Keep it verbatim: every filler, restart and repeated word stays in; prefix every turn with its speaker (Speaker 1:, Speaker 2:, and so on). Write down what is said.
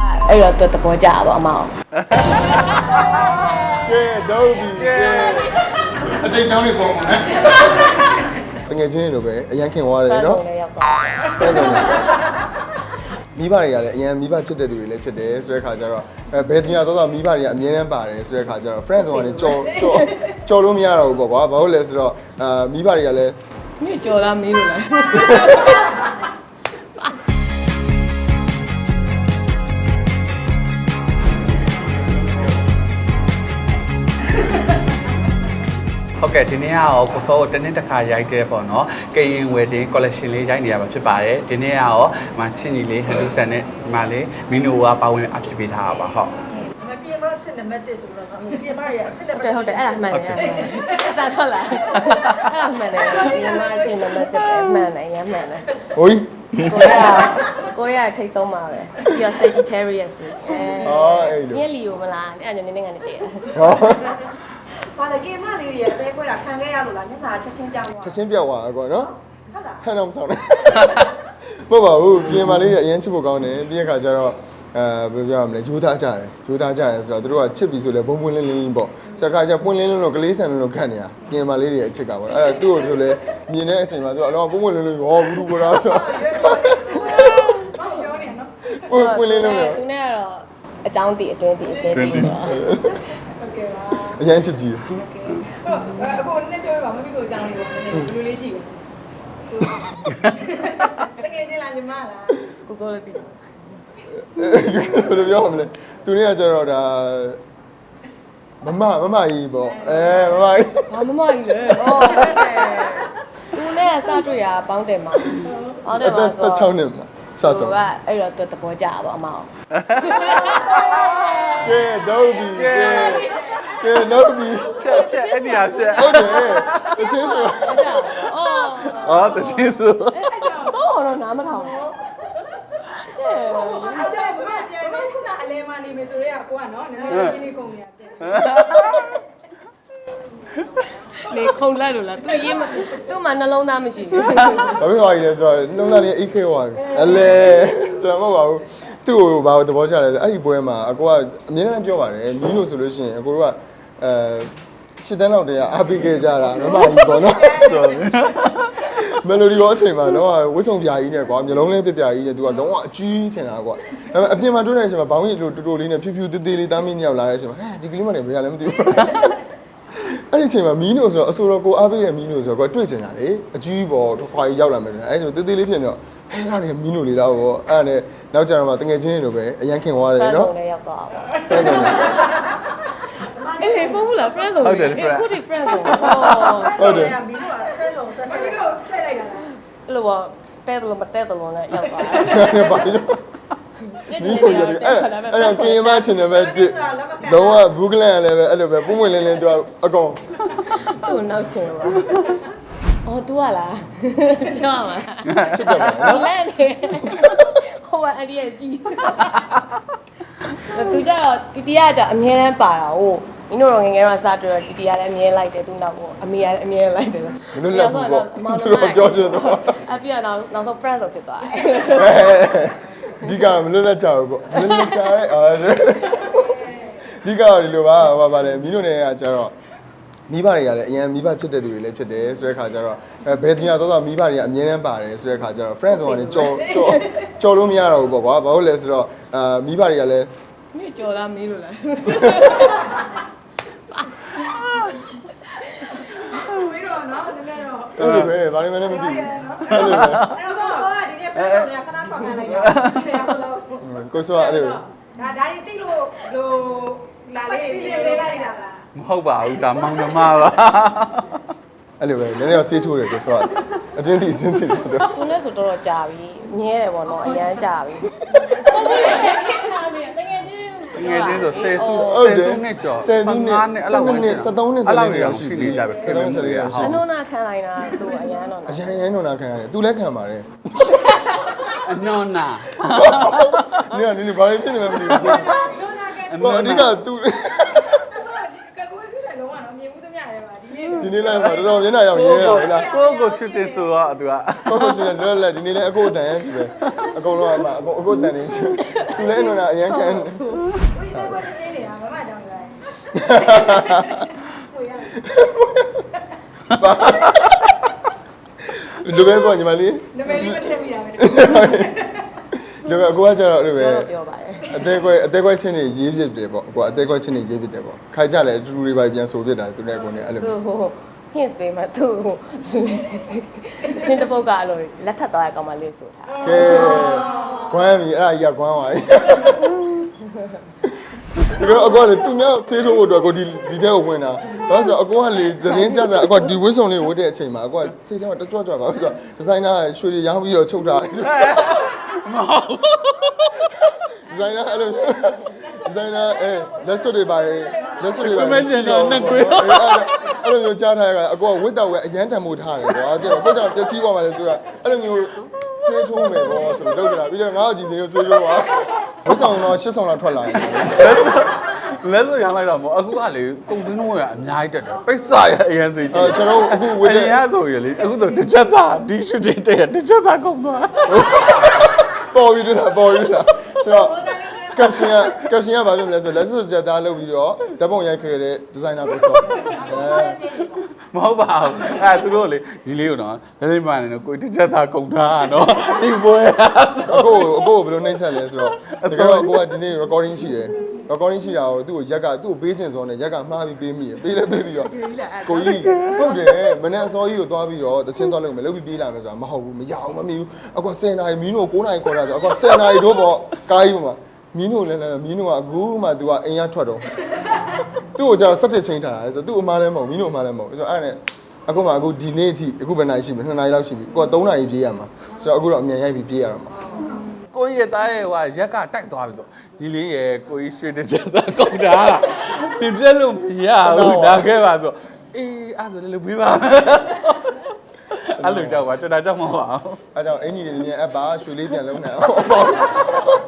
Speaker 1: အဲ့တော့သူတဘောကြပါအမောင်
Speaker 2: ကဲတော့ပြီကဲအတိတ်ကြောင်းတွေပေါ်မှာတကယ်ချင်းတွေလိုပဲအရန်ခင်သွားတယ်နော်
Speaker 1: လည်းရောက်သွား
Speaker 2: ဖဲဆုံးမိဘတွေကလည်းအရန်မိဘချစ်တဲ့သူတွေလည်းဖြစ်တယ်ဆိုတဲ့ခါကျတော့အဲဘယ်တင်ရတော့မိဘတွေကအမြဲတမ်းပါတယ်ဆိုတဲ့ခါကျတော့ friend ဆိုတာလည်းကြော်ကြော်ကြော်လို့မရတော့ဘူးပေါ့ကွာဘာလို့လဲဆိုတော့အာမိဘတွေကလည်း
Speaker 1: ညကြော်လားမေးလို့လား
Speaker 3: ဟုတ်ကဲ့ဒီနေ့ကတော့ကိုစောကိုတနေ့တစ်ခါရိုက်ခဲ့ပေါ့နော်ကရင်ဝယ်တင် collection လေးရိုက်နေရမှာဖြစ်ပါတယ်ဒီနေ့ကတော့မချင်းကြီးလေးဟန်ဒူဆန်နဲ့ဒီမှာလေးမီနိုကပါဝင်အဖြစ်ပေးထားတာပါဟုတ်
Speaker 4: ကင်မရာချက်နံပါတ်တစ်ဆိုတော့ကင်မရာအချက်နံပါတ်
Speaker 1: ဟုတ်တယ်ဟုတ်တယ်အဲ့ဒါမှန်တယ်အဲ့ဒါဟုတ်လားအဲ့ဒါမှန်တယ်ဒီမှာအချင်းနံပါတ်တစ်ပဲမှန်တယ်ရမ်းမှန်တယ်
Speaker 2: ဟို
Speaker 1: ကိုရီးယားကိုရီးယားထိတ်ဆုံးပါပဲပြီးတော့ Sagittarius အဲ
Speaker 2: အော်အဲ့လို
Speaker 1: ညလီကိုမလားအဲ့ဒါညနေနေကနေတည့်
Speaker 2: ဟော
Speaker 4: ဘာလဲကင်မလေးတွေအသေးခွဲတာခံခဲ့ရလို့လားမျက်နှာချက်ချင်းပြောင်းသွား
Speaker 2: ချက်ချင်းပြောက်သွားကွာနော်ဟုတ်လားဆန်းတော့မဆောင်နဲ့မဟုတ်ပါဘူးပြင်မာလေးတွေအရင်ချစ်ဖို့ကောင်းတယ်ပြီးရခါကျတော့အဲဘယ်လိုပြောရမလဲယူသားကြတယ်ယူသားကြတယ်ဆိုတော့သူတို့ကချစ်ပြီဆိုလဲဘုံပွင့်လင်းလင်းပေါ့စကားကျပွင့်လင်းလင်းလို့ကလေးဆန်လို့ခတ်နေတာပြင်မာလေးတွေအချစ်ကပေါ့အဲ့ဒါသူ့ကိုဆိုလဲမြင်တဲ့အချိန်မှာသူကအလောပွင့်ပွင့်လင်းလင်းဟောဘူးဘူးလားဆိုပွင့်ပွင့်လင်းလင်းလို့
Speaker 1: သူနဲ့ကတော့အကြောင်းတည်အတွင်းတည်အစဲတည်ဆိုတော့
Speaker 4: ဟုတ်ကဲ့ပါ
Speaker 2: အရင်ချစ်ကြည့်
Speaker 4: ဟုတ်ကဲ့အခုနည်းပြောပြပါမမီကိုအကြောင်းလေးကိုနည်းနည်းလူလေးရှိတယ်တကယ်ချင်းလားညီမလား
Speaker 1: ကိုကိုလည်းတည်
Speaker 2: ဘယ်လိုပြောမလဲသူเนี่ยကျတော့ဒါမမမမကြီးပေါ့အဲမမကြီး
Speaker 1: ဟာမမကြီးလေဟောသူနဲ့စတွေ့ရပေါင်းတယ်မှာ
Speaker 2: ဟုတ်တယ်ပါဆို16နှစ်မှာစဆုံး
Speaker 1: ကအဲ့တော့သူတဘောကြပါအမောင်
Speaker 2: ကဲတော့ပြီကဲကဲတော့ပြီ
Speaker 3: ချက်ချက်အဲ့ဒီဟာချက်
Speaker 2: ဟုတ်တယ်တချင်းဆို
Speaker 1: အော်
Speaker 3: အော်တချင်းဆို
Speaker 1: သောတော့နားမထောင်
Speaker 4: အဲ့ဒါကျမပြန်တော့ခုနအလဲမနေမယ်ဆိုတော့ကိုကနော်နည်းနည်းချင်းလေးကုန်နေရတယ်
Speaker 1: နေခုံလိုက်လို့လားသူရေးမသူ့မှာနှလုံးသားမရှိဘူး
Speaker 2: ဘာဖြစ်သွားကြီးလဲဆိုတော့နှလုံးသားလေးအိတ်ခဲသွားပြီအလဲကျွန်တော်မဟုတ်ပါဘူးသူ့ကိုဘာလို့သဘောကျလဲဆိုအဲ့ဒီပွဲမှာအကိုကအမြဲတမ်းပြောပါတယ်မင်းလို့ဆိုလို့ရှိရင်အကိုတို့ကအဲရှစ်တန်းလောက်တည်းကအားပေးခဲ့ကြတာမမကြီးပေါ့နော်မယ်လိုဒီရောအချိန်မှာတော့ဝစ်စုံပြာကြီးနဲ့ကွာမျိုးလုံးလေးပြပြကြီးနဲ့သူကလုံးဝအကြီးထင်တာကွာဒါပေမဲ့အပြင်မှာတွေ့တဲ့အချိန်မှာဘောင်းကြီးလိုတူတူလေးနဲ့ဖြူဖြူသေးသေးလေးတားမင်းညောက်လာတဲ့အချိန်မှာဟဲ့ဒီကလေးမနဲ့ဘယ်ရလဲမသိဘူးအဲ့ဒီအချိန်မှာမီးနိုဆိုတော့အဆိုတော်ကိုအားပေးတဲ့မီးနိုဆိုတော့ကွာတွေ့ကျင်တာလေအကြီးပေါ်ခွာကြီးရောက်လာမယ်အဲ့ဆိုသေးသေးလေးဖြစ်နေတော့ဟဲ့အဲ့ဒါမီးနိုလေးတော့ပေါ့အဲ့ဒါနဲ့နောက်ကျတော့မှတငယ်ချင်းတွေလိုပဲအရန်ခင်သွားတယ်နော်
Speaker 1: friend zone လည်းရောက်သွားပါ
Speaker 2: friend zone
Speaker 1: အေးပုံဘူးလား friend zone
Speaker 3: ဟုတ်တယ်
Speaker 1: ခုဒီ friend zone
Speaker 2: ဟုတ်တယ်
Speaker 4: မီးတို့က friend ဆုံးဆက်မီးတို့ချိန်လိုက်တာလား
Speaker 1: အဲ့လိုပေါ့တဲ့တယ်လို့မတဲ့တယ်လို့လည်းရောက်သွား
Speaker 2: တယ်ဘာလို့ဒီကိုရတယ်အဲ့အဲ့ကင်မချင်တယ်ပဲတစ်လုံးဝဘူးကလန်လည်းပဲအဲ့လိုပဲပုံမွေလင်းလင်းသူကအကောင်
Speaker 1: သူ့နောက်ချင်ပါအော် तू อ่ะလားပြောရမှာ
Speaker 2: ချစ်တယ်ပါနော်
Speaker 1: လဲနေဟိုကအဒီရဲ့ကြည့်သူကြတော့တီတီကကြအမြဲတမ်းပါတာဟုတ်မင်းတို့တော့ငငယ်တော့စားတွေ့တော့တီတီကလည်းအမြဲလိုက်တယ်သူနောက်ပေါ့အမေကလည်းအမြဲလိုက်တယ်
Speaker 2: မင်းတို့လက်ဘူးပေါ့သူတို့ပြောချင်တော့
Speaker 1: အပြည့်တော့နောက်ဆုံး friend ဆိုဖြစ်သွားတယ်
Speaker 2: ဒီကမလွတ်လက်ချဘူးပေါ့မလွတ်လက်ချရဲအော်ဒီကတော့ဒီလိုပါဟောပါလေမင်းတို့တွေကကျတော့မိဘတွေကလည်းအရင်မိဘချစ်တဲ့သူတွေလည်းဖြစ်တယ်ဆိုတဲ့ခါကျတော့အဲဘယ်တင်ရတော့မိဘတွေကအမြဲတမ်းပါတယ်ဆိုတဲ့ခါကျတော့ friend ဆိုတာလည်းကြော်ကြော်ကြော်လို့မရတော့ဘူးပေါ့ကွာဘာလို့လဲဆိုတော့အာမိဘတွေကလည်း
Speaker 1: ညကြော်လားမေးလို့လား
Speaker 4: ဝေးတော့နော်နည်းနည်းတော့
Speaker 2: အဲ့လိုပဲဘာလို့မလဲမသိဘူးအဲ့လိုပဲ
Speaker 4: အဲ့တော့ဆောကဒီနေ့ friend ဆုံးကခဏထွက်ခံလိုက်တာ
Speaker 2: ကိုစောအဲ့လို
Speaker 4: ဒါဒါတွေသိလို့ဟိုလာလေးစီးလေးလိုက်တာလား
Speaker 3: မဟုတ်ပါဘူးဒါမောင်နှမပါ
Speaker 2: အဲ့လိုပဲနည်းနည်းတော့ဆေးထိုးတယ်ကိုစောအတင်းတိအစင်းတိဆိုတော့
Speaker 1: သူနဲ့ဆိုတော့တော်ကြာပြီမြဲတယ်ပေါ့နော်အရန်ကြာပြီဟုတ်ဘူးလေခေတ်ထားနေတကယ်ချင်း
Speaker 3: ငယ်ချင်းဆိုဆယ်စုဆယ်စုနှစ်ကျော်
Speaker 2: ဆယ်စုနှစ်
Speaker 3: နှစ်အဲ့လောက်
Speaker 2: နှစ်နှစ်73နှစ်
Speaker 3: အဲ့လောက်ရောက်ရှိနေကြပဲ
Speaker 2: 73နှစ်ရ
Speaker 1: ရှိအနုနာခံလိုက်တာသူအရန်တော့
Speaker 2: အရန်ရန်တော့နာခံရတယ်သူလည်းခံပါတယ်
Speaker 3: အနော်နာ
Speaker 2: နေနေနေဘာဖြစ်နေမှမသိဘူးဘာအဓိကသူ
Speaker 4: ကကွေးဖြစ်တယ်လုံးဝတော့မြင်မှုသမျှရဲပါဒီနေ့
Speaker 2: ဒီနေ့လည်းတော်တော်မျက်နှာရောင်ရဲတာလေလား
Speaker 3: ကိုကိုရှူတင်ဆိုတော့သူက
Speaker 2: ကိုကိုရှင်လည်းလည်းဒီနေ့လည်းအကိုတန်ကြည့်ပဲအကုန်လုံးအမအကိုအကိုတန်နေရှင်သူလည်းနော်အရန်ကန်
Speaker 4: ဒီလိုပဲချင်းနေတာမမကြောင့်လည်းကိုရ
Speaker 2: လူပဲပေါ့ညီမလေး
Speaker 4: နမည်လေးမထည့်မိတာပဲ
Speaker 2: လူပဲအကိုကကျတော့လူပဲ
Speaker 1: ပြောတော့ပြောပါတယ်
Speaker 2: အသေးခွဲအသေးခွဲချင်းနေရေးဖြစ်တယ်ပေါ့အကိုအသေးခွဲချင်းနေရေးဖြစ်တယ်ပေါ့ခိုင်ကြလည်းအတူတူတွေပဲပြန်ဆိုဖြစ်တာသူနဲ့အကိုနဲ့အဲ့လို
Speaker 1: သူဟို hints ပေးမှသူချင်းတစ်ပုတ်ကအဲ့လိုလက်ထပ်သွားရကောင်မလေးဆိုတာ
Speaker 2: ကဲကွမ်းပြီအဲ့ဒါကြီးကကွမ်းပါပြီဒီတော့အကောလေသူများဆေးထိုးဖို့အတွက်ကိုဒီဒီတဲ့ကိုဝင်တာဘာလို့ဆိုအကောကလေသတင်းကြတာအကောဒီဝစ်စုံလေးဝတ်တဲ့အချိန်မှာအကောကစိတ်ထဲမှာတကြွကြွပါဆိုတော့ဒီဇိုင်နာရွှေတွေရောင်းပြီးတော့ချုပ်ထားတယ်မဟုတ်ဒီဇိုင်နာအဲ့လိုဒီဇိုင်နာအဲလက်စွပ်တွေပါလက်စွပ်တွေပါအဲ့လိုမျိုးကြားထားရတာအကောကဝတ်တော့ဝဲအရန်တံမိုးထားတယ်ကွာတဲ့ကိုကြောင့်ပျက်စီးသွားပါလေဆိုတာအဲ့လိုမျိုးဆေးထိုးမယ်ပေါ့ဆိုတော့လုပ်ကြတာပြီးတော့ငါ့အကြည့်စင်းကိုဆေးထိုးပါဝတ်ဆောင်တော့ရှစ်ဆောင်လောက်ထွက်လာတယ်
Speaker 3: လဲဆိုရမ်းလိုက်တော့မဟုတ်အခုကလေကုံစင်းတော့ရအများကြီးတက်တယ်ပိတ်စာရအရင်စီ
Speaker 2: အဲကျွန်တော်အခုဝ
Speaker 3: ဝ
Speaker 2: တ်
Speaker 3: င်
Speaker 2: တဲ့
Speaker 3: ရဆိုရလေအခုဆိုတစ်ချက်သားဒီရှူတင်တဲ့တစ်ချက်သားကုန်သွား
Speaker 2: ပေါ်ပြီးတော့ပေါ်ပြီးတော့ဆိုတော့ကပ်ရှင်ကကပ်ရှင်ကဘာပြောမလဲဆိုလက်စွပ်ချက်သားလုပ်ပြီးတော့ဓာတ်ပုံရိုက်ခဲ့တဲ့ဒီဇိုင်နာကိုဆော့အဲ
Speaker 3: မဟုတ်ပါဘူးအဲသူတို့လေဒီလေးကိုတော့လက်လေးမှန်နေတော့ကိုတစ်ချက်သားကုန်ထားတော့ဒီပွဲဆို
Speaker 2: အကိုအကိုဘယ်လိုနှိမ့်ဆက်လဲဆိုတော့တကယ်တော့အကိုကဒီနေ့ recording ရှိတယ် recording ရှိတာကိုသူ့ကိုရက်ကသူ့ကိုပေးချင်စောနဲ့ရက်ကမှားပြီးပေးမိရပေးလဲပေးပြီးတော့ကိုကြီးဟုတ်တယ်မနေ့အစောကြီးကိုသွားပြီးတော့တချင်းသွားလုပ်မယ်လုပ်ပြီးပြေးလာမယ်ဆိုတာမဟုတ်ဘူးမရအောင်မမီဘူးအကွာဆယ်နာရီမင်းတို့ကိုးနာရီခေါ်တာဆိုအကွာဆယ်နာရီတို့ပေါ့ကားကြီးပေါ်မှာမင်းတို့လည်းလည်းမင်းတို့ကအခုမှ तू ကအိမ်ရထွက်တော့သူ့ကိုကြာစက်တစ်ချင်းထားတာဆိုသူ့အမားလည်းမဟုတ်မင်းတို့အမားလည်းမဟုတ်ဆိုတော့အဲ့နဲ့အခုမှအခုဒီနေ့အထိအခုဘယ်နာရီရှိမလဲနှစ်နာရီလောက်ရှိပြီကိုကသုံးနာရီပြေးရမှာဆိုတော့အခုတော့အမြန်ရိုက်ပြီးပြေးရတော့မှာ
Speaker 3: ကိုကြီးရဲ့သားရဲ့ဟိုရက်ကတိုက်သွားပြီဆိုဒီလေးရဲ့ကိုကြီးရွှေတစ်ချက်သားကုန်တာလားပြပြလို့မရဘူးဒါခဲ့ပါဆိုအေးအဲ့ဆိုလည်းပြီးပါအဲ့လိုကြောက်ပါကျွန်တော်ကြောက်မှာပါ
Speaker 2: အဲကြောင့်အင်ကြီးတွေမြန်မြန်အပ်ပါရွှေလေးပြန်လုံးနေအောင်